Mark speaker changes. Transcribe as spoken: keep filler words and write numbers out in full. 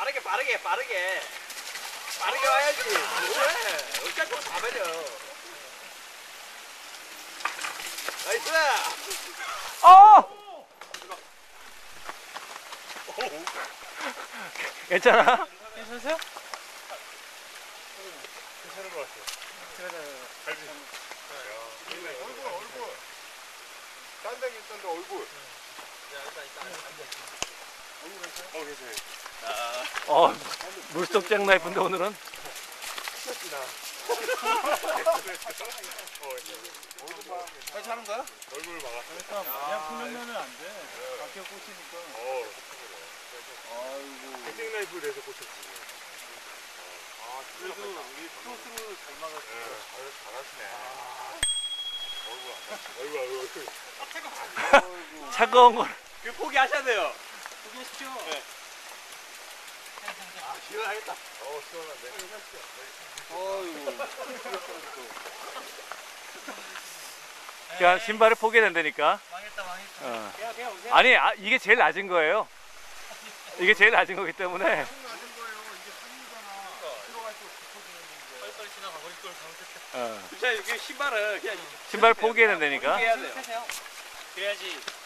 Speaker 1: 빠르게 빠르게 빠르게 빠르게 와야지. 왜? 어차피 다 버려. 나이스.
Speaker 2: 어! 괜찮아?
Speaker 3: 괜찮으세요?
Speaker 4: 괜찮은 것 같아요. 갈비. 얼굴, 얼굴. 딴 데는 있던데 얼굴. 어, 괜찮아요.
Speaker 2: 어, 물속 잭나이프인데 오늘은?
Speaker 1: 괜찮은 거야?
Speaker 4: 얼굴 막았어.
Speaker 3: 그냥 풀면은 안 돼. 밖에 꽂히니까.
Speaker 4: 어,
Speaker 1: 아이고.
Speaker 4: 백색 라이프에 대해서 꽂혔지.
Speaker 1: 아, 그래도 우리 크로스로 잘 막았어.
Speaker 4: 잘하시네. 얼굴, 얼굴, 얼굴.
Speaker 2: 차가운 걸.
Speaker 1: 그 포기하셔야 돼요.
Speaker 3: 포기하십시오.
Speaker 1: 네. 아, 시원하겠다.
Speaker 4: 어, 시원한데.
Speaker 1: 어이구.
Speaker 2: 그냥 신발을 포기해야 된다니까.
Speaker 3: 망했다, 망했다.
Speaker 2: 어.
Speaker 3: 그냥, 그냥 오세요.
Speaker 2: 아니, 아, 이게 제일 낮은 거예요. 이게 제일 낮은 거기 때문에.
Speaker 4: 낮은 거예요. 이게 산이잖아. 들어갈수록 깊어지는
Speaker 3: 빨리빨리 지나가 버릴 걸 잘못했다.
Speaker 2: 어.
Speaker 1: 진짜 이게 신발은 그냥
Speaker 2: 신발 포기해야 된다니까.
Speaker 1: 포기해야 돼요.
Speaker 3: 세세요. 그래야지